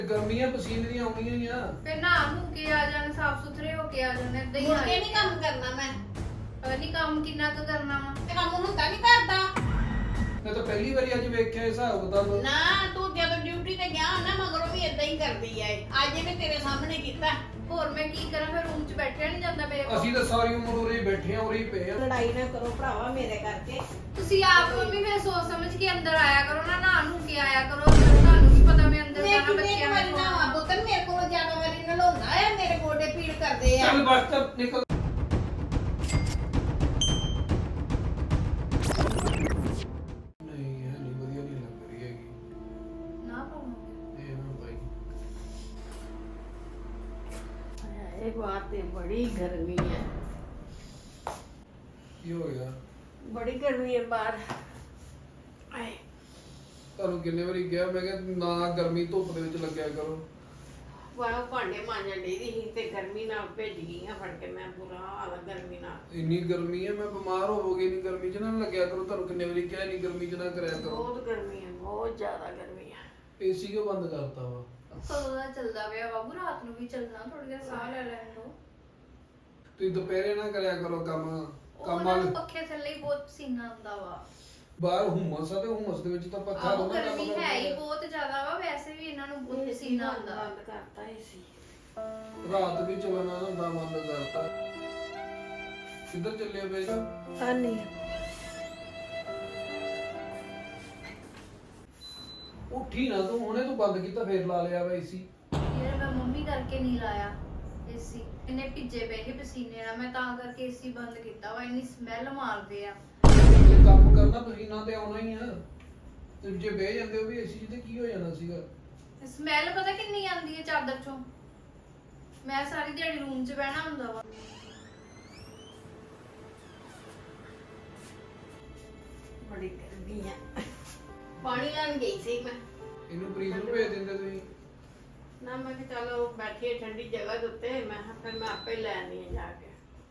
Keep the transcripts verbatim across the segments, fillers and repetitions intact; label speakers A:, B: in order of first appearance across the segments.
A: ਗਰਮੀਆਂ ਪਸੀਨੇ ਦੀਆਂ ਆਉਣੀਆਂ ਹੀ ਆ।
B: ਫਿਰ ਨਹਾ ਨੂੰ ਕੇ ਆ ਜਾਣ, ਸਾਫ ਸੁਥਰੇ ਹੋ ਕੇ ਆ ਜਾਣ, ਏਦਾਂ ਹੀ
C: ਮੁੜ
B: ਆ
C: ਕੇ ਨਹੀਂ ਕੰਮ ਕਰਨਾ ਮੈਂ।
B: ਪਤਾ ਨਹੀਂ ਕੰਮ ਕਿੰਨਾ ਕੁ ਕਰਨਾ ਵਾ।
C: ਤੇ ਕੰਮ ਹੁੰਦਾ ਨਹੀਂ ਕਰਦਾ
A: ਮੈਂ ਤਾਂ ਪਹਿਲੀ ਵਾਰੀ ਅੱਜ ਵੇਖਿਆ ਹਿਸਾਬ ਕਿਤਾਬ।
C: ਨਾ। ਤੂੰ ਜਦੋਂ ਡਿਊਟੀ ਤੇ ਗਿਆ ਨਾ ਮਗਰੋਂ ਵੀ ਇਦਾਂ ਹੀ ਕਰਦੀ ਐ। ਅੱਜ ਇਹਨੇ ਤੇਰੇ ਸਾਹਮਣੇ ਕੀਤਾ।
B: ਹੋਰ ਮੈਂ ਕੀ ਕਰਾਂ, ਫਿਰ ਰੂਮ 'ਚ ਬੈਠਿਆ ਨਹੀਂ ਜਾਂਦਾ ਮੇਰੇ ਕੋਲ।
A: ਅਸੀਂ ਤਾਂ ਸਾਰੀ ਉਮਰ ਉਰੇ ਹੀ ਬੈਠੇ ਆ, ਉਰੇ ਹੀ ਪਏ ਆ।
C: ਲੜਾਈ ਨਾ ਕਰੋ ਭਰਾਵਾ ਮੇਰੇ ਕਰਕੇ।
B: ਤੁਸੀਂ ਆਪ ਮੰਮੀ ਫਿਰ ਸੋਚ ਸਮਝ ਕੇ ਅੰਦਰ ਆਇਆ ਕਰੋ ਨਾ, ਨਹਾ ਨੂੰ ਕੇ ਆਇਆ ਕਰੋ। ਤੁਹਾਨੂੰ ਕੀ ਪਤਾ ਮੈਂ ਅੰਦਰ
C: ਮੈਂ
B: ਜਾਣਾ
C: ਕਿੰਨੇ
B: ਬੱਚਿਆਂ
C: ਵਾਰੀ
B: ਨੂੰ।
C: ਨਾ ਪੁੱਤਰ ਮੇਰੇ ਕੋਲ ਜ਼ਿਆਦਾ ਵਾਰੀ ਨਲਾਉਂਦਾ ਐ। ਮੇਰੇ ਗੋਡੇ ਪੀੜ ਕਰਦੇ ਆ।
A: ਚੱਲ ਬਸ ਤਾਂ ਨਿਕਲ। ਨਹੀਂ ਇਹ ਨਹੀਂ ਵਧੀਆ ਨਹੀਂ ਲੱਗ ਰਹੀ ਹੈਗੀ।
B: ਨਾ ਪਾਉਂਗੇ
A: ਇਹ ਨਾ ਭਾਈ
C: ਇਹ ਬਾਤ ਤੇ ਬੜੀ ਗਰਮੀ ਹੈ।
A: ਕੀ ਹੋ ਗਿਆ?
C: ਬੜੀ ਗਰਮੀ ਹੈ ਬਾਹਰ। ਆਏ
A: ਤੁਹਾਨੂੰ ਕਿੰਨੇ ਵਾਰੀ ਕਿਹਾ ਮੈਂ ਕਿ ਨਾ ਗਰਮੀ ਧੁੱਪ ਦੇ ਵਿੱਚ ਲੱਗਿਆ ਕਰੋ।
C: ਵਾਹ ਭਾਂਡੇ ਮਾਂਜਣ ਡਈ ਦੀ ਸੀ ਤੇ ਗਰਮੀ ਨਾਲ ਭਿੱਜ ਗਈ ਆ ਫੜ ਕੇ। ਮੈਂ ਬੁਰਾ ਹਾਲ ਆ ਗਰਮੀ ਨਾਲ।
A: ਇੰਨੀ ਗਰਮੀ ਹੈ ਮੈਂ ਬਿਮਾਰ ਹੋਵੋਗੇ। ਨਹੀਂ ਗਰਮੀ 'ਚ ਨਾ ਲੱਗਿਆ ਕਰੋ। ਤੁਹਾਨੂੰ ਕਿੰਨੇ ਵਾਰੀ ਕਿਹਾ ਨਹੀਂ ਗਰਮੀ 'ਚ ਨਾ ਕਰਿਆ ਕਰੋ।
C: ਬਹੁਤ ਗਰਮੀ ਹੈ, ਬਹੁਤ ਜ਼ਿਆਦਾ ਗਰਮੀ ਹੈ।
A: ਏਸੀ ਕਿਉਂ ਬੰਦ ਕਰਤਾ ਵਾ?
B: ਕਦੋਂ ਦਾ ਚੱਲਦਾ ਪਿਆ ਬਾਬੂ, ਰਾਤ ਨੂੰ ਵੀ ਚੱਲਣਾ, ਥੋੜੀ ਦੇਰ ਸਾਹ ਲੈ ਲੈਣ ਦੋ।
A: ਤੁਸੀਂ ਦੁਪਹਿਰੇ ਨਾ ਕਰਿਆ ਕਰੋ ਕੰਮ। ਕੰਮ
B: ਉਹਨਾਂ ਨੂੰ
A: ਵਾਲੇ
B: ਪੱਖੇ ਥੱਲੇ ਹੀ ਬਹੁਤ ਪਸੀਨਾ ਆਉਂਦਾ ਵਾ।
A: ਬਾਹਰ ਹੁਮਸ ਆ ਤੇ ਹੁਮਸ ਦੇ ਵਿੱਚ ਤਾਂ ਪੱਖਾ
B: ਆਹੋ
A: ਦੋਨਾਂ
B: ਗਰਮੀ ਹੈ ਹੀ ਬਹੁਤ ਜ਼ਿਆਦਾ ਵਾ। ਵੈਸੇ ਵੀ ਇਹਨਾਂ ਨੂੰ ਬਹੁਤ ਪਸੀਨਾ ਆਉਂਦਾ।
C: ਬੰਦ ਕਰਤਾ ਏਸੀ।
A: ਰਾਤ ਵੀ ਚੱਲਣਾ ਹੁੰਦਾ, ਬੰਦ ਕਰਤਾ। ਕਿੱਧਰ ਚੱਲਿਆ ਪਏ ਜੀ?
C: ਹਾਂ ਨਹੀਂ
A: ਉੱਠੀ ਨਾ ਤੂੰ, ਹੁਣੇ ਤੂੰ ਬੰਦ ਕੀਤਾ ਫੇਰ ਲਾ ਲਿਆ ਵਾ ਏਸੀ।
B: ਯਾਰ ਮੈਂ ਮੰਮੀ ਕਰਕੇ ਨਹੀਂ ਲਾਇਆ ਏਸੀ। ਇਹਨੇ ਭਿੱਜੇ ਪਏ ਸੀ ਪਸੀਨੇ ਨਾਲ, ਮੈਂ ਤਾਂ ਕਰਕੇ ਏਸੀ ਬੰਦ ਕੀਤਾ ਵਾ। ਇੰਨੀ ਸਮੈਲ ਮਾਰਦੇ ਆ।
A: ਜੇ ਕੰਮ ਕਰਨਾ ਪਸੀਨਾ ਤੇ ਆਉਣਾ ਹੀ ਆ। ਤੇ ਜੇ ਬਹਿ ਜਾਂਦੇ ਹੋ ਵੀ ਏਸੀ 'ਚ ਤੇ ਕੀ ਹੋ ਜਾਣਾ ਸੀਗਾ?
B: ਸਮੈਲ ਪਤਾ ਕਿੰਨੀ ਆਉਂਦੀ ਹੈ ਚਾਦਰ ਚੋਂ। ਮੈਂ ਸਾਰੀ ਦਿਹਾੜੀ ਰੂਮ 'ਚ ਬਹਿਣਾ ਹੁੰਦਾ ਵਾ।
C: ਬੜੀ ਗਰਮੀ ਹੈ। ਪਾਣੀ ਲੈਣ ਗਈ ਸੀ ਮੈਂ।
A: ਇਹਨੂੰ ਪ੍ਰੀਤ ਨੂੰ ਭੇਜ ਦਿੰਦੇ ਤੁਸੀਂ।
C: ਨਾ ਮੈਂ ਕਿ ਚਲੋ ਬੈਠੀਏ ਠੰਡੀ ਜਗ੍ਹਾ ਦੇ ਉੱਤੇ। ਮੈਂ ਕਿਹਾ ਫਿਰ ਮੈਂ ਆਪੇ ਲੈ ਆਉਂਦੀ ਹਾਂ ਜਾ ਕੇ।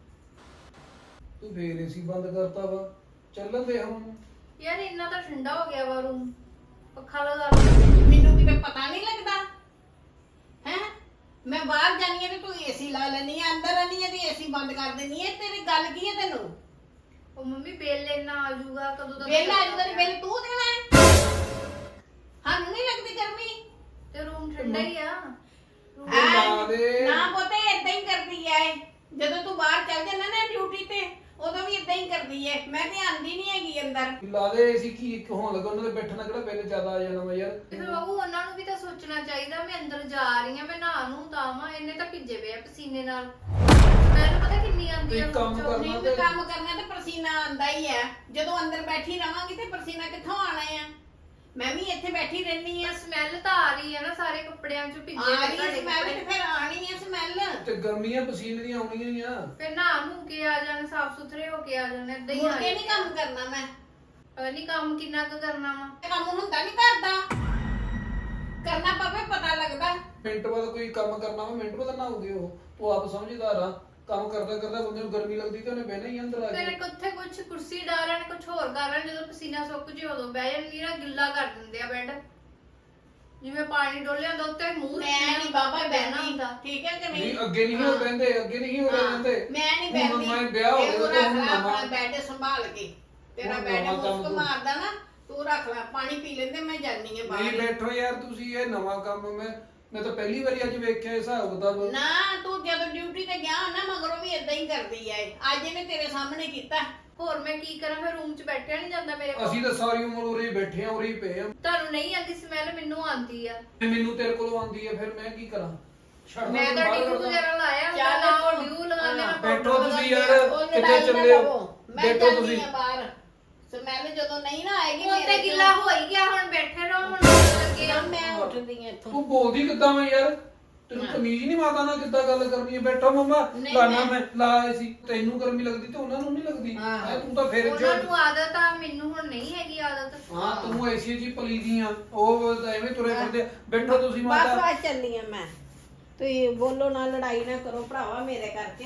A: ਤੂੰ ਫੇਰ ਏਸੀ ਬੰਦ ਕਰਤਾ ਵਾ। ਚੱਲਣ ਦੇ ਹੁਣ।
B: ਯਾਰ ਇੰਨਾ ਤਾਂ ਠੰਡਾ ਹੋ ਗਿਆ ਵਾ ਰੂਮ। ਪੱਖਾ ਲਗਾ ਲਓ।
C: ਮੈਨੂੰ ਕਿਤੇ ਪਤਾ ਨਹੀਂ ਲੱਗਦਾ ਹੈ। ਮੈਂ ਬਾਹਰ ਜਾਨੀ ਆ ਤੇ ਤੂੰ ਏਸੀ ਲਾ ਲੈਣੀ ਆ, ਅੰਦਰ ਆਨੀ ਆ ਤੇ ਏਸੀ ਬੰਦ ਕਰ ਦੇਣੀ ਆ। ਤੇਰੀ ਗੱਲ ਕੀ ਹੈ ਤੈਨੂੰ?
B: ਉਹ ਮੰਮੀ ਬਿੱਲ ਇੰਨਾ ਆ ਜਾਊਗਾ ਕਦੋਂ ਤੱਕ?
C: ਬਿੱਲ ਆ ਜੂਗਾ ਤੇ ਬਿੱਲ ਤੂੰ ਦੇਣਾ ਹੈ। ਸਾਨੂੰ ਨਹੀਂ ਲੱਗਦੀ ਗਰਮੀ
B: ਤੇ ਰੂਮ ਠੰਡਾ ਹੀ ਆ।
A: ਲਾ ਦੇ।
C: ਨਾ ਪਤਾ ਏਦਾਂ ਹੀ ਕਰਦੀ ਐ। ਜਦੋਂ ਤੂੰ ਬਾਹਰ ਚੱਲ ਜਾਂਦਾ ਨਾ ਡਿਊਟੀ ਤੇ ਉਦੋਂ ਵੀ ਏਦਾਂ ਹੀ ਕਰਦੀ ਐ। ਮੈਂ ਤੇ ਆਂਦੀ ਨਹੀਂ ਹੈਗੀ ਅੰਦਰ।
A: ਲਾ ਦੇ ਏਸੀ। ਕੀ ਹੋਣ ਲੱਗਾ? ਉਹਨਾਂ ਦੇ ਬੈਠਣਾ ਕਿਹੜਾ ਬਿੱਲ ਜ਼ਿਆਦਾ ਆ ਜਾਣਾ ਵਾ ਯਾਰ।
B: ਤੇ ਫਿਰ ਬਾਬੂ ਉਹਨਾਂ ਨੂੰ ਵੀ ਤਾਂ ਸੋਚਣਾ ਚਾਹੀਦਾ। ਮੈਂ ਅੰਦਰ ਜਾ ਰਹੀ ਆ, ਮੈਂ ਨਹਾ ਨੂੰ ਤਾਂ ਵਾਂ। ਇਹਨੇ ਤਾਂ ਭਿੱਜੇ ਪਏ ਆ ਪਸੀਨੇ ਨਾਲ। ਮੈਨੂੰ ਪਤਾ ਕਿੰਨੀ ਆਉਂਦੀ ਆ
A: ਤੁਸੀਂ ਕੰਮ
B: room 'ਚੋਂ।
A: ਕਰਨਾ
C: ਨਹੀਂ ਵੀ ਕੰਮ ਕਰਨਾ ਤੇ ਪਸੀਨਾ ਆਂਦਾ ਹੀ ਐ। ਜਦੋਂ ਅੰਦਰ ਬੈਠੀ ਰਵਾਂਗੀ ਤੇ ਪਸੀਨਾ ਕਿੱਥੋਂ ਆਣਾ ਆ? ਮੈਂ ਵੀ ਇੱਥੇ ਬੈਠੀ ਰਹਿੰਦੀ ਆ।
B: ਸਮੈਲ ਤਾਂ ਆ ਰਹੀ ਆ ਨਾ ਸਾਰੇ ਕੱਪੜਿਆਂ 'ਚੋਂ ਭਿੱਜੇ
C: ਆ
B: ਹੋਏ
C: ਰਹੀ
B: ਤੁਹਾਡੇ
C: ਸਮੈਲ
B: ਕੱਪੜੇ।
C: ਤੇ ਫਿਰ ਆਣੀ ਐ ਸਮੈਲ।
A: ਤੇ ਗਰਮੀਆਂ ਪਸੀਨੇ ਦੀਆਂ ਆਉਣੀਆਂ ਹੀ ਆ।
B: ਫਿਰ ਨਹਾ ਨੂੰ ਕੇ ਆ ਜਾਣ, ਸਾਫ ਸੁਥਰੇ ਹੋ ਕੇ ਆ ਜਾਣ, ਏਦਾਂ ਹੀ
C: ਮੁੜ
B: ਆ
C: ਕੇ ਨਹੀਂ ਕੰਮ ਕਰਨਾ ਮੈਂ।
B: ਪਤਾ ਨਹੀਂ ਕੰਮ ਕਿੰਨਾ ਕੁ ਕਰਨਾ ਵਾ।
C: ਤੇ ਕੰਮ ਹੁੰਦਾ ਨਹੀਂ ਕਰਦਾ। ਕਰਨਾ ਪਵੇ ਪਤਾ ਲੱਗਦਾ।
A: ਮਿੰਟ ਬਾਅਦ ਕੋਈ ਕੰਮ ਕਰਨਾ ਵਾ, ਮਿੰਟ ਬਾਅਦ ਨਹਾਉਂਦੇ ਹੋ। ਤੂੰ ਆਪ ਸਮਝਦਾਰ ਆ। ਕੰਮ ਕਰਦਾ ਕਰਦਾ ਬੰਦੇ ਨੂੰ ਗਰਮੀ ਲੱਗਦੀ ਤੇ ਉਹਨੇ ਬਹਿਣਾ ਹੀ ਅੰਦਰ ਆ
B: ਫਿਰ
A: ਕੇ।
B: ਕਿੱਥੇ ਕੁਛ ਕੁਰਸੀ ਡਾਲਣ, ਕੁਛ ਹੋਰ ਕਰਨ। ਜਦੋਂ ਪਸੀਨਾ ਸੁੱਕ ਜੇ ਉਦੋਂ ਬਹਿ ਜਾਂਦੀ ਨਾ, ਗਿੱਲਾ ਕਰ ਦਿੰਦੇ ਆ ਬੈੱਡ। ਜਿਵੇਂ ਪਾਣੀ ਡੋਲਿਆ ਹੁੰਦਾ ਉੱਤੇ ਮੂੰਹ
C: ਮੈਂ ਨਹੀਂ ਬਾਬਾ
B: ਬਹਿਣਾ
C: ਬਹਿਣਾ
B: ਹੁੰਦਾ।
C: ਠੀਕ ਹੈ ਕਿ
A: ਨਹੀਂ
C: ਨਹੀਂ?
A: ਅੱਗੇ ਨਹੀਂ ਹੋ ਰਹਿੰਦੇ, ਅੱਗੇ ਨਹੀਂ ਹੋ ਰਹਿੰਦੇ।
C: ਮੈਂ ਨਹੀਂ
A: ਹੁਣ
C: ਬਹਿੰਦੀ।
A: ਮੈਂ ਵਿਆਹ ਹੋ
C: ਇਹ
A: ਗਿਆ
C: ਤੂੰ
A: ਤੇ ਹੁਣ
C: ਰੱਖ ਲੈ
A: ਨਵਾਂ
C: ਆਪਣਾ ਬੈੱਡ ਸੰਭਾਲ ਕੇ। ਤੇਰਾ
A: ਹੁਣ
C: ਬੈੱਡ
A: ਨਵਾਂ ਕੰਮ
C: ਮੁਸਕ
A: ਤੂੰ-
C: ਮਾਰਦਾ ਨਾ, ਤੂੰ ਰੱਖ ਲੈ। ਪਾਣੀ ਪੀ ਲੈਂਦੇ, ਮੈਂ ਜਾਨੀ ਆ
A: ਨਹੀਂ
C: ਬਾਹਰ।
A: ਬੈਠੋ ਯਾਰ ਤੁਸੀਂ। ਇਹ ਨਵਾਂ ਕੰਮ ਮੈਂ ਮੈਂ ਤਾਂ ਪਹਿਲੀ ਵਾਰੀ ਅੱਜ ਵੇਖਿਆ ਹਿਸਾਬ ਕਿਤਾਬ।
C: ਨਾ ਤੂੰ ਜਦੋਂ ਡਿਊਟੀ ਤੇ ਗਿਆ ਨਾ ਮਗਰੋਂ ਵੀ ਇਦਾਂ ਹੀ ਕਰਦੀ ਐ। ਅੱਜ ਇਹਨੇ ਤੇਰੇ ਸਾਹਮਣੇ ਕੀਤਾ।
B: ਹੋਰ ਮੈਂ ਕੀ ਕਰਾਂ, ਫਿਰ ਰੂਮ 'ਚ ਬੈਠਿਆ ਨਹੀਂ ਜਾਂਦਾ ਮੇਰੇ ਕੋਲ।
A: ਅਸੀਂ ਤਾਂ ਸਾਰੀ ਉਮਰ ਉਰੇ ਹੀ ਬੈਠੇ ਆ, ਉਰੇ ਹੀ ਪਏ ਆ।
B: ਤੁਹਾਨੂੰ ਨਹੀਂ ਆਉਂਦੀ ਸਮੈਲ, ਮੈਨੂੰ ਆਉਂਦੀ ਆ।
A: ਤੇ ਮੈਨੂੰ ਤੇਰੇ ਕੋਲੋਂ ਆਉਂਦੀ ਹੈ, ਫਿਰ ਮੈਂ ਕੀ ਕਰਾਂ? ਛੱਡ
B: ਮੈਂ
A: ਮੈਨੂੰ
B: ਤਾਂ
A: ਬਾਹਰ
B: ਡਿਊ
A: ਕੱਢ ਦਿਆਂ।
B: ਵਗੈਰਾ ਲਾਇਆ ਹੁੰਦਾ
C: ਚੱਲ
B: ਨਾ, ਉਹ
C: ਤੂੰ-
B: ਡਿਊ ਲਗਾ ਲੈਣਾ।
A: ਬੈਠੋ
B: powder
A: ਤੁਸੀਂ
B: ਲਗਾ
A: ਯਾਰ।
C: ਉਹ
A: ਕਿੱਥੇ
C: ਲੜਾਈ ਨਾ
A: ਚੱਲੇ ਹੋ?
C: ਕਰੋ। ਮੈਂ
A: ਬੈਠੋ
C: ਜਾਨੀ
A: ਤੁਸੀਂ।
C: ਆ ਬਾਹਰ। ਸਮੈਲ ਜਦੋਂ ਨਹੀਂ ਨਾ ਆਏਗੀ
B: ਉਹ ਤੇ
C: ਮੇਰੇ
B: ਗਿੱਲਾ ਹੋ ਹੀ ਗਿਆ, ਹੁਣ ਬੈਠੇ ਰਹੋ। ਹੁਣ ਲੱਗੇ
C: ਤੋਂ।
B: ਆ।
C: ਮੈਂ ਉੱਠਦੀ ਆ ਇੱਥੋਂ।
A: ਤੂੰ ਬੋਲਦੀ ਕਿੱਦਾਂ ਮੈਂ ਯਾਰ? ਤੈਨੂੰ ਤਮੀਜ਼ ਨਹੀਂ ਮਾਤਾ ਨਾਲ ਕਿੱਦਾਂ ਗੱਲ ਕਰਨੀ ਹੈ? ਬੈਠੋ ਮਮਾ।
C: ਨਹੀਂ,
A: ਲਾਣਾ
C: ਮੈਂ-
A: ਮੈਂ ਲਾ ਸੀ। ਤੈਨੂੰ ਗਰਮੀ ਲੱਗਦੀ ਤੇ ਉਹਨਾਂ ਨੂੰ ਨਹੀਂ ਲੱਗਦੀ।
C: ਹਾਂ।
A: ਹੈਂ, ਤੂੰ ਤਾਂ ਫਿਰ
B: ਉਹਨਾਂ ਨੂੰ ਆਦਤ ਆ, ਮੈਨੂੰ ਹੁਣ ਨਹੀਂ ਹੈਗੀ ਆਦਤ।
A: ਹਾਂ ਤੂੰ ਐਸੀ ਜੀ ਪਲੀਦੀ ਆ। ਉਹ ਤਾਂ ਐਵੇਂ ਤੁਰੇ ਫਿਰਦੇ ਆ। ਬੈਠੋ ਤੁਸੀਂ
C: ਬਸ
A: ਮਾਤਾ।
C: ਬਸ ਚੱਲੀ ਆ ਮੈਂ। ਤੁਸੀਂ ਬੋਲੋ ਨਾ, ਲੜਾਈ ਨਾ ਕਰੋ ਭਰਾਵਾ ਮੇਰੇ ਕਰਕੇ।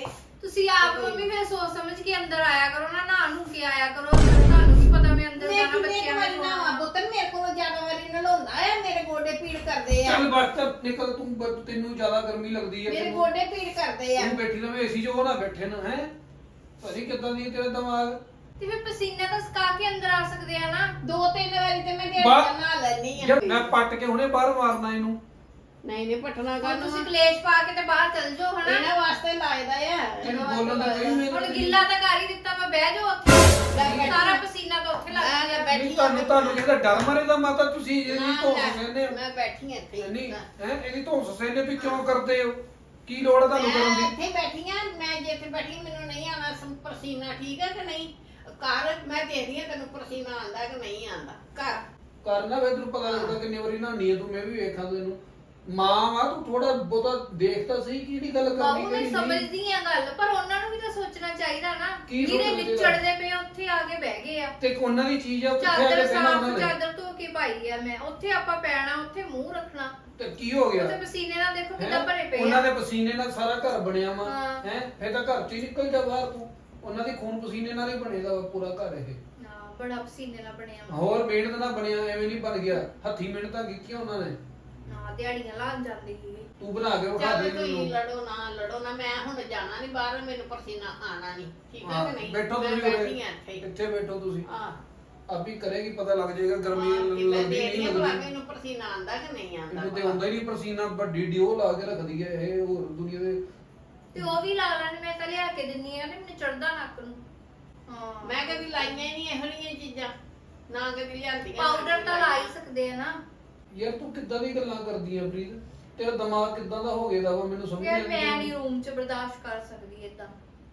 B: ਤੁਸੀਂ ਆਪ ਮੰਮੀ ਫਿਰ ਸੋਚ ਸਮਝ ਕੇ ਅੰਦਰ ਆਇਆ ਕਰੋ ਨਾ, ਨਹਾ ਨੂੰ ਕੇ ਆਇਆ ਕਰੋ ਅੰਦਰ। ਤੁਹਾਨੂੰ ਕੀ ਪਤਾ ਮੈਂ ਅੰਦਰ
C: ਮੈਂ
B: ਜਾਣਾ
C: ਕਿੰਨੇ
B: ਬੱਚਿਆਂ
C: ਵਾਰੀ
B: ਨੂੰ
C: ਨਾ ਪੁੱਤ ਮੇਰੇ ਕੋਲ ਜ਼ਿਆਦਾ ਵਾਰੀ ਨਲਾਉਂਦਾ ਆ, ਮੇਰੇ ਗੋਡੇ ਪੀੜ ਕਰਦੇ ਆ,
A: ਚੱਲ ਬਸ ਤਾਂ ਨਿਕਲ ਤੂੰ, ਬ- ਤੈਨੂੰ ਜ਼ਿਆਦਾ ਗਰਮੀ ਲੱਗਦੀ ਹੈ
C: ਮੇਰੇ
A: ਤੈਨੂੰ।
C: ਗੋਡੇ ਪੀੜ ਕਰਦੇ ਆ।
A: ਤੂੰ ਬੈਠੀ ਰਵੇਂ ਏਸੀ 'ਚ, ਉਹ ਨਾ ਬੈਠੇ ਨਾ ਹੈ। ਭਾਜੀ ਕਿੱਦਾਂ ਦੀ ਹੈ ਤੇਰਾ ਦਿਮਾਗ?
B: ਤੇ ਫਿਰ ਪਸੀਨਾ ਤਾਂ ਸੁਕਾ ਕੇ ਅੰਦਰ ਆ ਸਕਦੇ ਆ ਨਾ।
C: ਦੋ ਤਿੰਨ ਵਾਰੀ ਤੇ ਮੈਂ ਦਿਹਾੜੀ
A: ਬਾ-
C: ਦਾ ਨਹਾ ਲੈਣੀ ਆ।
A: ਯਾਰ ਮੈਂ ਪੱਟ ਕੇ ਹੁਣੇ ਬਾਹਰ ਮਾਰਨਾ ਇਹਨੂੰ।
C: ਨਹੀਂ ਨਹੀਂ ਪਟਣਾ
B: ਹੁਣ
C: ਕਰਨ
B: ਤੁਸੀਂ ਕਲੇਸ਼ ਪਾ ਕੇ ਤੇ ਬਾਹਰ ਚੱਲ ਜਾਓ ਹਨਾ।
C: ਇਹਨਾਂ ਵਾਸਤੇ ਲਾਇਦਾ ਆ,
A: ਤੈਨੂੰ
C: ਇਹਨਾਂ
A: ਬੋਲਣ ਦਾ
C: ਵਾਸਤੇ
A: ਕੋਈ
C: ਲਾਇਦਾ।
B: ਹੁਣ ਗਿੱਲਾ ਤਾਂ ਕਰ ਹੀ ਦਿੱਤਾ, ਮੈਂ ਬਹਿ ਜਾਓ ਉੱਥੇ।
C: ਬੈਠੀ।
B: ਸਾਰਾ ਪਸੀਨਾ ਤਾਂ ਉੱਥੇ ਲੱਗ
C: ਮੈਂ
B: ਗਿਆ।
C: ਬੈਠੀ
A: ਨਹੀਂ ਤੁਹਾਨੂੰ ਤੁਹਾਨੂੰ ਜਿਹਦਾ ਡਰ ਮਾਰੇ ਦਾ ਮਾਤਾ ਤੁਸੀਂ ਇਹਦੀ
C: ਨਾ,
A: ਧੌਂਸ
C: ਲੈ,
A: ਸਹਿੰਦੇ ਹੋ।
C: ਮੈਂ ਬੈਠੀ ਆ ਇੱਥੇ
A: ਨਹੀਂ
C: ਹੀ।
A: ਹੈ ਇਹਦੀ ਧੌਂਸ ਸਹਿੰਦੇ ਤੁਸੀਂ ਕਿਉਂ ਕਰਦੇ ਹੋ? ਕੀ ਲੋੜ ਹੈ ਤੁਹਾਨੂੰ ਕਰਨ
C: ਮੈਂ
A: ਦੀ?
C: ਇੱਥੇ ਬੈਠੀ ਆ, ਮੈਂ ਜੇ ਇੱਥੇ ਬੈਠੀ ਮੈਨੂੰ ਨਹੀਂ ਆਣਾ ਪਸੀਨਾ, ਠੀਕ ਹੈ ਕਿ ਨਹੀਂ? ਘਰ ਮੈਂ ਦੇਖਦੀ ਆ ਤੈਨੂੰ ਪਸੀਨਾ ਆਂਦਾ ਕਿ ਨਹੀਂ ਆਂਦਾ। ਘਰ
A: ਕਰਨਾ ਵੇ ਤੈਨੂੰ ਪਤਾ ਲੱਗਦਾ ਕਿੰਨੀ ਵਾਰੀ ਨਹਾਉਣੀ ਹੈ ਤੂੰ। ਮੈਂ ਵੀ ਵੇਖਾਂ ਤੈਨੂੰ, ਮਾਂ ਵਾ ਤੂੰ ਥੋੜਾ ਬਹੁਤਾ ਦੇਖ ਤਾਂ ਸਹੀ ਕਿਹੜੀ ਗੱਲ ਕਰਨੀ
B: ਬਾਬੂ ਮੈਂ
A: ਕਿਹੜੀ ਨਹੀਂ।
B: ਸਮਝਦੀ ਆ ਗੱਲ, ਪਰ ਉਹਨਾਂ ਨੂੰ ਵੀ ਤਾਂ ਸੋਚਣਾ ਚਾਹੀਦਾ ਨਾ।
A: ਕੀ
B: ਜਿਹੜੇ
A: ਸੋਚਣਾ
B: ਵਿਚੜਦੇ ਪਏ ਆ, ਉੱਥੇ ਆ ਕੇ ਬਹਿ ਗਏ ਆ।
A: ਤੇ ਉਹਨਾਂ ਦੀ ਚੀਜ਼ ਆ ਉਹ ਕਿੱਥੇ ਆ
B: ਚਾਦਰ
A: ਕੇ ਪਹਿਲਾਂ
B: ਸਾਫ
A: ਉਹਨਾਂ ਨੇ।
B: ਚਾਦਰ ਧੋ ਕੇ ਪਾਈ ਆ ਮੈਂ, ਉੱਥੇ ਆਪਾਂ ਪੈਣਾ, ਉੱਥੇ ਮੂੰਹ ਰੱਖਣਾ।
A: ਤੇ ਕੀ ਹੋ ਗਿਆ?
B: ਉੱਥੇ ਪਸੀਨੇ ਨਾਲ ਦੇਖੋ
A: ਹੈਂ?
B: ਕਿੱਦਾਂ ਭਰੇ ਪਏ
A: ਉਹਨਾਂ
B: ਆ।
A: ਦੇ ਪਸੀਨੇ ਨਾਲ ਸਾਰਾ ਘਰ ਬਣਿਆ ਵਾ
B: ਹਾਂ।
A: ਹੈ। ਫਿਰ ਤਾਂ ਘਰ ਚ ਹੀ ਨਿਕਲ ਜਾ ਬਾਹਰ ਤੂੰ। ਉਹਨਾਂ ਦੇ ਖੂਨ ਪਸੀਨੇ ਨਾਲ ਹੀ ਬਣੇਦਾ ਵਾ ਪੂਰਾ ਘਰ ਇਹ।
B: ਹਾਂ, ਬੜਾ ਪਸੀਨੇ ਨਾਲ ਬਣਿਆ ਵਾ।
A: ਹੋਰ ਮਿਹਨਤ ਨਾਲ ਬਣਿਆ, ਐਵੇਂ ਨਹੀਂ ਬਣ ਗਿਆ। ਹੱਥੀ ਮਿਹਨਤਾਂ ਕੀਤੀਆਂ ਉਹਨਾਂ ਨੇ।
B: ਹਾਂ, ਦਿਹਾੜੀਆਂ ਲਾਣ ਜਾਂਦੇ ਸੀ।
A: ਤੂੰ ਬਣਾ ਕੇ ਵਿਖਾ
C: ਚੱਲ
A: ਦੇ
C: ਤੁਸੀਂ
A: ਮੈਨੂੰ।
C: ਲੜੋ ਨਾ ਲੜੋ ਨਾ, ਮੈਂ ਹੁਣ ਜਾਣਾ ਨਹੀਂ ਬਾਹਰ, ਮੈਨੂੰ ਪਸੀਨਾ ਆਣਾ ਨਹੀਂ, ਠੀਕ ਹੈ
A: ਹਾਂ,
C: ਕਿ ਨਹੀਂ?
A: ਬੈਠੋ
C: ਮੈਂ
A: ਤੁਸੀਂ
C: ਬੈਠੀ
A: ਉਰੇ।
C: ਆ ਇੱਥੇ ਹੀ।
A: ਇੱਥੇ ਬੈਠੋ ਤੁਸੀਂ।
C: ਹਾਂ
A: ਆਪੀ ਕਰੇਗੀ, ਪਤਾ ਲੱਗ ਜਾਏਗਾ ਗਰਮੀ
C: ਹਾਂ, ਕਿ ਮੈਂ
A: ਲੱਗਦੀ
C: ਦੇਖਦੀ
A: ਨਹੀਂ
C: ਆ ਭਲਾ
A: ਲੱਗਦੀ।
C: ਮੈਨੂੰ ਪਸੀਨਾ ਆਂਦਾ ਕਿ ਨਹੀਂ ਆਂਦਾ।
A: ਇਹਨੂੰ ਤੇ ਹੁੰਦਾ ਹੀ ਨਹੀਂ ਪਸੀਨਾ। ਵੱਡੀ ਡਿਓ ਲਾ ਕੇ ਰੱਖਦੀ ਹੈ ਇਹ ਹੋਰ ਦੁਨੀਆ ਦੇ।
B: ਤੇ ਉਹ ਵੀ ਲਾ ਲੈਣ, ਮੈਂ ਤਾਂ ਲਿਆ ਕੇ ਦਿੰਨੀ ਆ ਤੇ ਮੈਨੂੰ ਚੜਦਾ ਨੱਕ ਨੂੰ। ਹਾਂ,
C: ਮੈਂ ਕਦੀ ਲਾਈਆਂ ਹੀ ਨਹੀਂ ਇਹੋ ਜਿਹੀਆਂ ਚੀਜ਼ਾਂ, ਨਾ ਕਦੀ ਲਿਆਂਦੀਆਂ।
B: ਪਾਊਡਰ ਤਾਂ ਲਾ ਹੀ ਸਕਦੇ ਆ ਨਾ।
A: ਯਾਰ ਤੂੰ ਕਿੱਦਾਂ ਦੀ ਗੱਲਾਂ ਕਰਦੀ ਆ ਪ੍ਰੀਤ? ਤੇਰਾ ਦਿਮਾਗ ਕਿੱਦਾਂ ਦਾ ਹੋ ਗਿਆ ਦਾ ਵਾ, ਮੈਨੂੰ ਸਮਝ
B: ਯਾਰ
A: ਨਹੀਂ
B: ਮੈਂ
A: ਆਉਂਦੀ।
B: ਨਹੀਂ ਰੂਮ 'ਚ ਬਰਦਾਸ਼ਤ ਕਰ ਸਕਦੀ ਏਦਾਂ।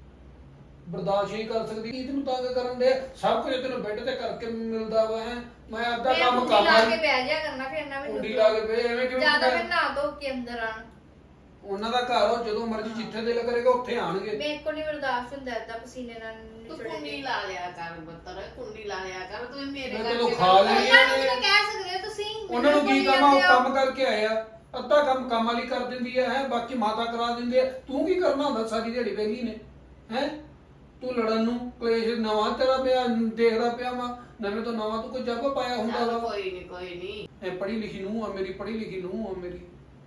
A: ਬਰਦਾਸ਼ਤ ਹੀ ਕਰ ਸਕਦੀ। ਕੀ ਤੈਨੂੰ ਤੰਗ ਕਰਨ ਦੇ? ਸਭ ਕੁਝ ਤੈਨੂੰ ਬੈੱਡ ਤੇ ਕਰਕੇ ਮਿਲਦਾ ਵਾ ਹੈ। ਮੈਂ ਅੱਧਾ
B: ਮੈਂ
A: ਕੰਮ
B: ਕੁੰਡੀ
A: ਕੰਮ
B: ਲਾ ਕੇ ਬਹਿ ਜਾ ਕਰਨਾ, ਫਿਰ ਨਾ ਮੈਨੂੰ
A: ਕੁੰਡੀ ਲਾ ਕੇ ਬਹਿ ਐਵੇਂ ਕਿਵੇਂ
B: ਜਿਆਦਾ
A: ਬਹਿ?
B: ਮੈਂ ਨਾ ਧੋ ਕੇ ਅੰਦਰ ਆਣ।
A: ਉਹਨਾਂ ਦਾ ਘਰ ਉਹ ਜਦੋਂ ਮਰਜ਼ੀ ਜਿੱਥੇ ਦਿਲ ਕਰੇਗਾ ਉੱਥੇ ਆਣਗੇ।
B: ਮੇਰੇ ਕੋਲ ਨਹੀਂ ਬਰਦਾਸ਼ਤ ਹੁੰਦਾ ਏਦਾਂ ਪਸੀਨੇ ਨਾਲ
C: ਤੂੰ
B: ਨਿਚੜੇ
C: ਕੁੰਡੀ
B: ਤੇ।
C: ਲਾ ਲਿਆ ਕਰ ਬੱਤਰ, ਕੁੰਡੀ ਲਾ ਲਿਆ ਕਰ ਤੂੰ ਮੇਰੇ
A: ਮੈਂ
C: ਕਰਕੇ
A: ਤੈਨੂੰ
C: ਗੱਲ
A: ਖਾ
C: ਕਰ।
A: ਲਈ
B: ਉਹਨਾਂ ਨੂੰ ਵੀ ਕਹਿ ਸਕਦੇ ਹੋ ਤੁਸੀਂ।
A: ਉਹਨਾਂ ਨੂੰ
B: ਮੈਨੂੰ
A: ਕੀ
B: ਬੋਲੀ
A: ਕੰਮ ਆ? ਉਹ
B: ਜਾਂਦੇ ਹੋ।
A: ਕੰਮ ਕਰਕੇ ਆਏ ਆ। ਅੱਧਾ ਕੰਮ ਕੰਮ ਵਾਲੀ ਕਰ ਦਿੰਦੀ ਹੈ ਹੈ ਬਾਕੀ ਮਾਤਾ ਕਰਾ ਦਿੰਦੀ ਹੈ। ਤੂੰ ਕੀ ਕਰਨਾ ਹੁੰਦਾ ਸਾਰੀ ਦਿਹਾੜੀ ਵਿਹਲੀ ਨੇ ਹੈ? ਤੂੰ ਲੜਨ ਨੂੰ ਕਲੇਸ਼ ਨਵਾਂ ਤੇਰਾ ਪਿਆ ਦੇਖਦਾ ਪਿਆ ਵਾ। ਨਵੇਂ ਤੋਂ ਨਵਾਂ ਤੂੰ ਕੋਈ ਜੱਬ ਪਾਇਆ ਹੁੰਦਾ
C: ਚੱਲ
A: ਵਾ।
C: ਕੋਈ ਨਹੀਂ ਕੋਈ ਨਹੀਂ,
A: ਇਹ ਪੜ੍ਹੀ ਲਿਖੀ ਨੂੰ ਆ ਮੇਰੀ, ਪੜ੍ਹੀ ਲਿਖੀ ਨੂੰ ਆ ਮੇਰੀ।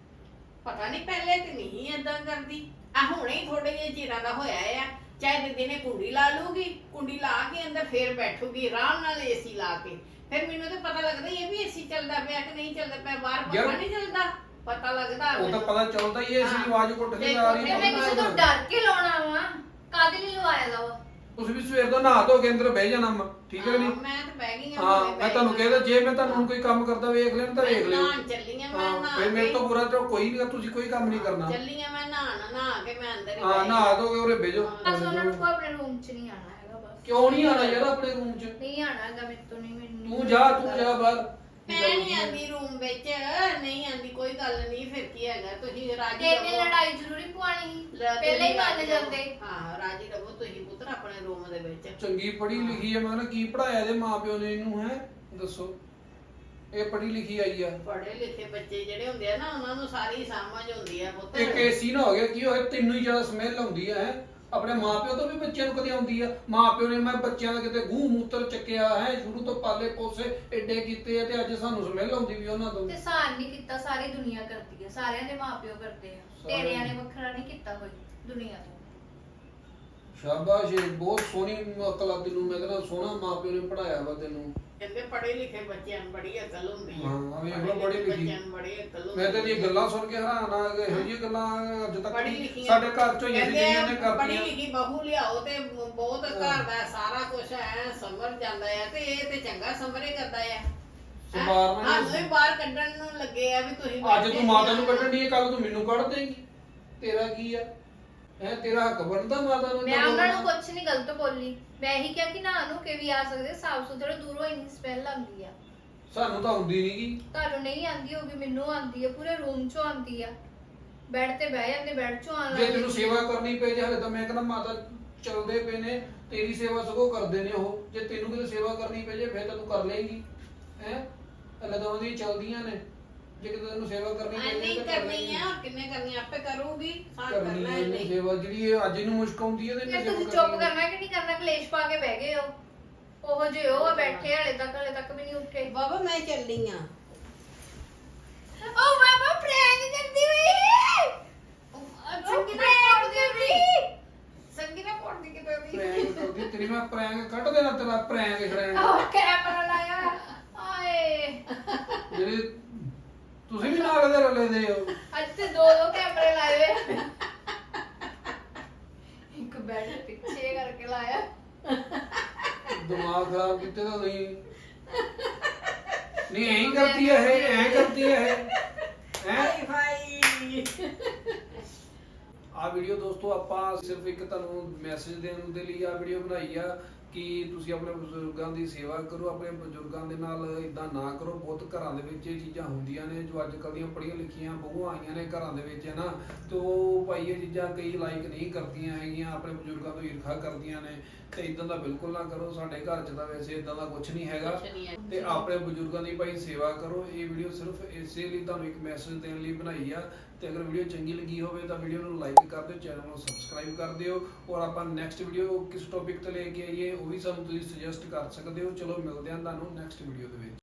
C: ਪਤਾ ਨਹੀਂ ਪਹਿਲੇ ਤੇ ਨਹੀਂ ਏਦਾਂ ਕਰਦੀ, ਆ ਹੁਣੇ ਹੀ ਥੋੜੇ ਜਿਹੇ ਚਿਰਾਂ ਦਾ ਹੋਇਆ ਆ। ਚਾਹੇ ਦੀਦੀ ਨੇ ਕੁੰਡੀ ਲਾ ਲੂਗੀ, ਕੁੰਡੀ ਲਾ ਕੇ ਅੰਦਰ ਫੇਰ ਬੈਠੂਗੀ ਆਰਾਮ ਨਾਲ ਏਸੀ ਲਾ ਕੇ। ਫਿਰ ਮੈਨੂੰ ਤਾਂ ਪਤਾ ਲੱਗਦਾ ਹੀ ਹੈ ਵੀ ਏਸੀ ਚੱਲਦਾ ਪਿਆ ਕਿ ਨਹੀਂ ਚੱਲਦਾ ਪਿਆ, ਬਾਹਰ ਪਤਾ
A: ਯਾਰ-
C: ਨਹੀਂ ਚੱਲਦਾ, ਪਤਾ ਲੱਗਦਾ
A: ਉਹ ਤਾਂ
C: ਮੈਨੂੰ।
A: ਪਤਾ ਚੱਲਦਾ ਹੀ ਹੈ। ਇਸ
C: ਹਾਂ।
A: ਆਵਾਜ਼ ਘੁੱਟ ਕੇ ਆ ਰਹੀ
B: ਫਿਰ ਮੈਂ ਕਿਸੇ ਤੋਂ ਡਰ ਕੇ ਲਾਉਣਾ ਵਾ, ਕਾਹਦੇ ਲਈ ਲਵਾਇਆ ਦਾ ਵਾ?
A: ਤੁਸੀਂ ਵੀ ਸਵੇਰ ਤੋਂ ਨਹਾ ਧੋ ਕੇ ਅੰਦਰ ਬਹਿ ਜਾਣਾ ਵਾ, ਠੀਕ ਹੈ ਕਿ
C: ਹਾਂ,
A: ਨਹੀਂ?
C: ਮੈਂ ਤਾਂ ਬਹਿ ਗਈ ਹਾਂ,
A: ਹਾਂ
C: ਹੁਣੇ
A: ਮੈਂ
C: ਬਹਿ
A: ਤੁਹਾਨੂੰ
C: ਗਈ
A: ਕਹਿੰਦਾ
C: ਹਾਂ।
A: ਜੇ ਮੈਂ ਤੁਹਾਨੂੰ ਹੁਣ ਕੋਈ ਕੰਮ ਕਰਦਾ ਵੇਖ ਲੈਣ ਤਾਂ ਵੇਖ ਲਿਓ।
C: ਨਹਾਉਣ ਚੱਲੀ ਆ ਮੈਂ,
A: ਹਾਂ
C: ਨਹਾ
A: ਫਿਰ ਮੇਰੇ
C: ਕੇ-
A: ਤੋਂ ਬੁਰਾ ਤਾਂ ਕੋਈ ਨਹੀਂ, ਤੁਸੀਂ ਕੋਈ ਕੰਮ ਨਹੀਂ ਕਰਨਾ।
C: ਚੱਲੀ ਆ ਮੈਂ ਨਹਾਣ, ਨਹਾ ਕੇ ਮੈਂ ਅੰਦਰ ਹੀ
A: ਹਾਂ
C: ਬਹਿ
A: ਨਹਾ ਧੋ ਕੇ ਉਰੇ ਬਹਿ ਜਾਓ।
B: ਬਸ ਉਹਨਾਂ ਨੂੰ ਕੋਈ ਆਪਣੇ ਰੂਮ 'ਚ ਨਹੀਂ ਆਣਾ ਹੈਗਾ ਬਸ।
A: ਕਿਉਂ ਨਹੀਂ ਆਣਾ ਯਾਰ ਆਪਣੇ ਰੂਮ 'ਚ?
B: ਨਹੀਂ ਆਣਾ ਹੈਗਾ ਮੇਰੇ ਤੋਂ, ਨਹੀਂ ਮੈਨੂੰ।
A: ਤੂੰ ਜਾ ਤੂੰ ਜਾ ਬਾਹਰ।
C: ਮੈਂ ਨਹੀਂ ਆਂਦੀ ਰੂਮ ਵਿੱਚ, ਨਹੀਂ ਆਂਦੀ, ਕੋਈ ਗੱਲ ਨਹੀਂ। ਫਿਰ ਕੀ ਹੈਗਾ, ਤੁਸੀਂ ਰਾਜੀ
B: ਤੇ ਇਹਨੇ
C: ਰਹੋ।
B: ਲੜਾਈ ਜ਼ਰੂਰੀ ਪਵਾਣੀ ਸੀ,
C: ਰਾ-
B: ਪਹਿਲਾਂ ਹੀ
C: ਰਾਜੀ
B: ਮੰਨ
C: ਰਹੋ।
B: ਜਾਂਦੇ।
C: ਹਾਂ ਰਾਜੀ ਰਹੋ ਤੁਸੀਂ ਪੁੱਤਰ ਆਪਣੇ ਰੂਮ ਦੇ ਵਿੱਚ।
A: ਚੰਗੀ ਪੜ੍ਹੀ ਲਿਖੀ ਹੈ, ਮੈਂ ਕਹਿੰਦਾ ਕੀ ਪੜਾਇਆ ਇਹਦੇ ਮਾਪਿਓ ਨੇ ਇਹਨੂੰ ਹੈ ਦੱਸੋ? ਇਹ ਪੜ੍ਹੀ ਲਿਖੀ ਆਈ ਆ।
C: ਪੜ੍ਹੇ ਲਿਖੇ ਬੱਚੇ ਜਿਹੜੇ ਹੁੰਦੇ ਆ ਨਾ, ਉਹਨਾਂ ਨੂੰ ਸਾਰੀ ਸਮਝ ਹੁੰਦੀ ਆ ਪੁੱਤਰ।
A: ਇੱਕ ਏਸੀ ਨਾ ਹੋ ਗਿਆ ਕੀ ਹੋਇਆ, ਤੈਨੂੰ ਹੀ ਜ਼ਿਆਦਾ ਸਮੈਲ ਆਉਂਦੀ ਹੈ ਹੈਂ? ਆਪਣੇ ਮਾਪਿਓ ਤੋਂ ਵੀ ਬੱਚਿਆਂ ਨੂੰ ਕਦੇ ਆਉਂਦੀ ਆ? ਮਾਪਿਓ ਨੇ ਮੈਂ ਬੱਚਿਆਂ ਦਾ ਕਿਤੇ ਗੂੰ ਮੂਤਰ ਚੱਕਿਆ ਹੈ, ਸ਼ੁਰੂ ਤੋਂ ਪਾਲੇ ਪੋਸੇ ਏਡੇ ਕੀਤੇ ਆ ਤੇ ਅੱਜ ਸਾਨੂੰ ਸਮੈਲ ਆਉਂਦੀ ਵੀ ਉਹਨਾਂ ਤੋਂ।
B: ਤੇ ਸਾਨ ਨਹੀਂ ਕੀਤਾ, ਸਾਰੀ ਦੁਨੀਆ ਕਰਦੀ ਹੈ, ਸਾਰਿਆਂ ਦੇ ਮਾਪਿਓ ਕਰਦੇ ਆ।
A: ਸਾਰਿਆਂ
B: ਤੇਰਿਆਂ
A: ਨੇ।
B: ਨੇ ਵੱਖਰਾ ਨਹੀਂ ਕੀਤਾ ਕੋਈ ਦੁਨੀਆ ਤੋਂ।
A: ਸ਼ਾਬਾਸ਼ ਏ, ਬਹੁਤ ਸੋਹਣੀ ਅਕਲ ਆ ਤੈਨੂੰ। ਮੈਂ ਕਹਿੰਦਾ ਸੋਹਣਾ ਮਾਪਿਓ ਨੇ ਪੜਾਇਆ ਵਾ ਤੈਨੂੰ।
C: ਕਹਿੰਦੇ ਪੜ੍ਹੇ ਲਿਖੇ ਬੱਚਿਆਂ ਨੂੰ ਬੜੀ ਅਕਲ ਹੁੰਦੀ ਆ।
A: ਹਾਂ, ਵੇਖ ਲਓ,
C: ਪੜ੍ਹੇ
A: ਪੜ੍ਹੀ
C: ਲਿਖੇ
A: ਲਿਖੀ।
C: ਬੱਚਿਆਂ ਨੂੰ ਬੜੀ ਅਕਲ ਹੁੰਦੀ
A: ਮੈਂ ਤਾਂ ਇਹ
C: ਆ।
A: ਗੱਲਾਂ ਸੁਣ ਕੇ ਹੈਰਾਨ ਆ ਗਿਆ। ਇਹੋ ਜਿਹੀਆਂ ਗੱਲਾਂ ਅੱਜ ਤੱਕ
C: ਪੜ੍ਹੀ ਲਿਖੀ
A: ਸਾਡੇ ਘਰ ਚੋਂ ਹੀ
C: ਕਹਿੰਦੇ
A: ਜਿਹੜੀਆਂ
C: ਆ,
A: ਨੇ
C: ਪੜ੍ਹੀ
A: ਕਰਤੀਆਂ।
C: ਲਿਖੀ ਬਹੂ ਲਿਆਓ ਤੇ ਬਹੁਤ ਘਰ ਦਾ ਸਾਰਾ ਕੁਝ ਐ ਸਮਝ ਜਾਂਦਾ ਆ। ਤੇ ਇਹ ਤੇ ਚੰਗਾ ਸਮਰੇ ਕਰਦਾ ਆ।
A: ਸਵਾਰ ਨਾਲ
C: ਸਾਨੂੰ ਵੀ ਬਾਹਰ ਕੱਢਣ ਨੂੰ ਲੱਗੇ ਆ ਵੀ ਤੁਸੀਂ
A: ਅੱਜ ਤੂੰ ਮਾਤਾ ਨੂੰ ਕੱਢਣ ਦੀ ਕੱਲ ਤੂੰ ਮੈਨੂੰ ਕੱਢ ਦੇਂਗੀ। ਤੇਰਾ ਕੀ ਆ ਹੈ? ਤੇਰਾ ਹੱਕ ਬਣਦਾ ਮਾਤਾ ਨੂੰ?
B: ਮੈਂ ਉਹਨਾਂ ਨੂੰ ਕੁਝ ਨਹੀਂ ਗਲਤ ਬੋਲੀ। ਮੈਂ ਇਹੀ ਕਿਹਾ ਕਿ ਨਾ ਨੂੰ ਕੇ ਵੀ ਆ ਸਕਦੇ, ਸਾਫ ਸੁਥਰੇ, ਦੂਰੋਂ ਇੰਨੀ ਸਮੈਲ ਆਉਂਦੀ ਆ।
A: ਸਾਨੂੰ ਤਾਂ ਹੁੰਦੀ ਨਹੀਂਗੀ।
B: ਤੁਹਾਨੂੰ ਨਹੀਂ ਆਉਂਦੀ ਹੋਗੀ, ਮੈਨੂੰ ਆਉਂਦੀ ਆ, ਪੂਰੇ ਰੂਮ 'ਚੋਂ ਆਉਂਦੀ ਆ। ਬੈੱਡ ਤੇ ਬਹਿ ਜਾਂਦੇ, ਬੈੱਡ 'ਚੋਂ ਆਉਣ
A: ਜੇ
B: ਲੱਗ
A: ਤੈਨੂੰ
B: ਜਾਂਦੀ
A: ਸੇਵਾ
B: ਆ।
A: ਕਰਨੀ ਪਈ ਜੇ ਹਲੇ ਤਾਂ ਮੈਂ ਕਹਿੰਦਾ ਮਾਤਾ ਚੱਲਦੇ ਪਏ ਨੇ, ਤੇਰੀ ਸੇਵਾ ਸਗੋਂ ਕਰਦੇ ਨੇ ਉਹ। ਜੇ ਤੈਨੂੰ ਕਿਤੇ ਸੇਵਾ ਕਰਨੀ ਪਈ ਜੇ ਫਿਰ ਤਾਂ ਤੂੰ ਕਰ ਲੇਂਗੀ ਹੈ। ਹਲੇ ਤਾਂ ਉਹਦੀ ਚੱਲਦੀਆਂ ਨੇ ਜੇ ਕਿਤੇ ਤੈਨੂੰ ਸੇਵਾ ਕਰਨੀ
C: ਮੈਂ ਨਹੀਂ ਕਰਨੀ ਆ, ਕਿੰਨੇ ਕਰਨੀ ਆ, ਆਪੇ ਕਰੂਗੀ, ਸਾਨ
A: ਕਰਨੀ
C: ਕਰਨਾ
A: ਹੈ
C: ਹੈ
A: ਇਹਨੇ
C: ਨਹੀਂ।
A: ਸੇਵਾ ਜਿਹੜੀ ਇਹ ਅੱਜ ਇਹਨੂੰ ਮੁਸ਼ਕ ਆਉਂਦੀ ਹੈ ਤੇ
B: ਫਿਰ
A: ਇਹਨੇ
B: ਤੁਸੀਂ
A: ਸੇਵਾ
B: ਚੁੱਪ ਕਰਨਾ ਕਿ ਨਹੀਂ ਕਰਨਾ? ਕਲੇਸ਼ ਪਾ ਕੇ ਬਹਿ ਗਏ ਹੋ ਉਹ ਜੇ ਉਹ ਆ ਬੈਠੇ ਹਲੇ ਤੱਕ ਹਲੇ ਤੱਕ ਵੀ ਨਹੀਂ ਉੱਠੇ।
C: ਬਾਬਾ ਮੈਂ ਚੱਲੀ ਆ।
B: ਓ ਬਾਬਾ ਪ੍ਰੈਂਕ ਕਰਦੀ ਹੋਈ ਸੰਗੀ ਨਾ ਪੜਦੀ ਹੋਈ ਸੰਗੀ ਨਾ ਪੜਦੀ ਕਿਤੇ ਵੀ
A: ਪ੍ਰੈਂਕ ਕਰਦੀ ਤੇਰੀ ਮੈਂ ਪ੍ਰੈਂਕ ਕੱਢ ਦੇਣਾ ਤੇਰਾ ਪ੍ਰੈਂਕ ਛੜੈਣ
B: ਉਹ ਕੈਮਰਾ ਲਾਇਆ ਆਏ
A: ਜਿਹੜੇ ਤੁਸੀਂ ਵੀ ਨਾਲ ਦੇ ਰਲੇ ਦੇ ਹੋ।
B: ਅੱਜ ਤੇ ਦੋ ਦੋ ਕੈਮਰੇ ਲਾਏ ਹੋਏ ਆ। ਇੱਕ ਬੈਠ ਪਿੱਛੇ ਕਰਕੇ ਲਾਇਆ
A: ਦਿਮਾਗ ਖਰਾਬ ਕੀਤੇ ਤਾਂ ਨਹੀਂ ਨਹੀਂ ਐਂ ਕਰਦੀ ਹੈ ਇਹ ਐਂ ਕਰਦੀ ਹੈ ਇਹ ਹੈ
C: ਹਾਈ ਭਾਈ
A: ਆ ਵੀਡੀਓ ਦੋਸਤੋ ਆਪਾਂ ਸਿਰਫ ਇੱਕ ਤੁਹਾਨੂੰ ਮੈਸੇਜ ਦੇਣ ਦੇ ਲਈ ਆ ਵੀਡੀਓ ਬਣਾਈ ਆ ਕਿ ਤੁਸੀਂ ਆਪਣੇ ਬਜ਼ੁਰਗਾਂ ਦੀ ਸੇਵਾ ਕਰੋ, ਆਪਣੇ ਬਜ਼ੁਰਗਾਂ ਦੇ ਨਾਲ ਇਦਾਂ ਨਾ ਕਰੋ। ਬਹੁਤ ਘਰਾਂ ਦੇ ਵਿੱਚ ਇਹ ਚੀਜ਼ਾਂ ਹੁੰਦੀਆਂ ਨੇ ਜੋ ਅੱਜ ਕੱਲ੍ਹ ਦੀਆਂ ਪੜ੍ਹੀਆਂ ਲਿਖੀਆਂ ਬਹੂਆਂ ਆਈਆਂ ਨੇ ਘਰਾਂ ਦੇ ਵਿੱਚ ਹੈ ਨਾ, ਤੇ ਉਹ ਭਾਈ ਇਹ ਚੀਜ਼ਾਂ ਕਈ ਲਾਈਕ ਨਹੀਂ ਕਰਦੀਆਂ ਹੈਗੀਆਂ, ਆਪਣੇ ਬਜ਼ੁਰਗਾਂ ਤੋਂ ਈਰਖਾ ਕਰਦੀਆਂ ਨੇ, ਤੇ ਇਦਾਂ ਦਾ ਬਿਲਕੁਲ ਨਾ ਕਰੋ। ਸਾਡੇ ਘਰ 'ਚ ਤਾਂ ਵੈਸੇ ਇਦਾਂ ਦਾ ਕੁਝ ਨਹੀਂ ਹੈਗਾ,
C: ਕੁਛ ਨਹੀਂ ਹੈ।
A: ਤੇ ਆਪਣੇ ਬਜ਼ੁਰਗਾਂ ਦੀ ਭਾਈ ਸੇਵਾ ਕਰੋ। ਇਹ ਵੀਡੀਓ ਸਿਰਫ ਇਸੇ ਲਈ ਤੁਹਾਨੂੰ ਇੱਕ ਮੈਸੇਜ ਦੇਣ ਲਈ ਬਣਾਈ ਆ, ਤੇ ਅਗਰ ਵੀਡੀਓ ਚੰਗੀ ਲੱਗੀ ਹੋਵੇ ਤਾਂ ਵੀਡੀਓ ਨੂੰ ਲਾਈਕ ਕਰ ਦਿਓ, ਚੈਨਲ ਨੂੰ ਸਬਸਕ੍ਰਾਈਬ ਕਰ ਦਿਓ, ਔਰ ਆਪਾਂ ਨੈਕਸਟ ਵੀਡੀਓ ਕਿਸ ਟੌਪਿਕ ਤੇ ਲੈ ਕੇ ਆਈਏ ਉਹ ਵੀ ਸਾਨੂੰ ਤੁਸੀਂ ਸੁਜੈਸਟ ਕਰ ਸਕਦੇ ਹੋ। ਚਲੋ ਮਿਲਦੇ ਹਾਂ ਤੁਹਾਨੂੰ ਨੈਕਸਟ ਵੀਡੀਓ ਦੇ ਵਿੱਚ।